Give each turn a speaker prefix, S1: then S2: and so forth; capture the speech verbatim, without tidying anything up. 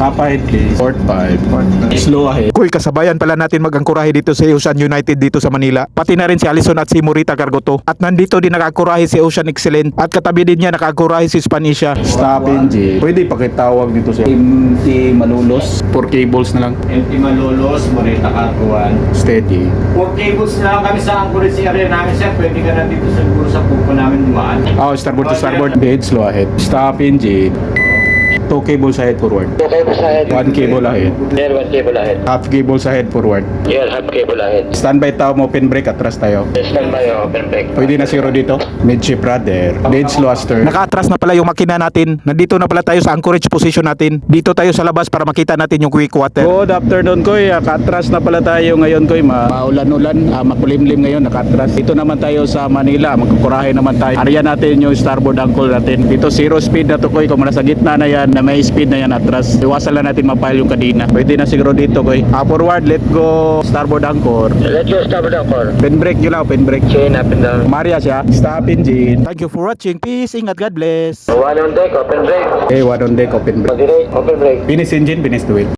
S1: Top ahead please. Port five. Slow ahead.
S2: Kuy, kasabayan pala natin mag-angkurahe dito sa Ocean United dito sa Manila. Pati na rin si Allison at si Morita Cargoto. At nandito din nakakurahe si Ocean Excellent. At katabi din niya nakakurahe si Spanisha.
S1: Stop engine. Pwede pakitawag dito sa M T Malulos. Four cables na lang.
S3: M T Malolos, Morita Carguan.
S1: Steady.
S3: Four cables na lang kami sa anchorage area namin, sir. Pwede ka na dito siguro sa pupo namin dumaan.
S1: Oh, starboard to starboard. Dead slow ahead. Stop engine. Two cables ahead forward.
S4: Two cables ahead.
S1: One cable ahead.
S4: Here, one cable ahead.
S1: Half cables ahead forward.
S4: Here, half cable ahead.
S1: Standby tayo mo, open brake, atras tayo.
S4: Stand by, open brake.
S1: Pwede na zero dito. Midship rudder. Dead slow astern.
S2: Naka-atras na pala yung makina natin. Nandito na pala tayo sa anchorage position natin. Dito tayo sa labas para makita natin yung quick water.
S1: Good afternoon, Koy. Nakatras na pala tayo ngayon, Koy. Ma maulan-ulan, ah, makulimlim ngayon, nakatras. Dito naman tayo sa Manila. Magkukurahe naman tayo. Ariyan natin yung starboard angle natin. Dito zero speed na to, Koy. Kung nasa gitna na yan, na may speed na yan atras. Iwasan lang natin mapile yung kadina. Pwede na siguro dito, Koy. Ah, forward, let go starboard anchor.
S4: Let's go starboard anchor.
S1: Pen brake nyo lang, pen brake.
S4: Chain up and down.
S1: Maria siya. Stop engine.
S2: Thank you for watching. Peace. Ingat. God bless.
S4: One on deck, open brake.
S1: Okay, one on deck, open brake.
S4: Moderate, open brake.
S1: Finish engine, finish the wheel.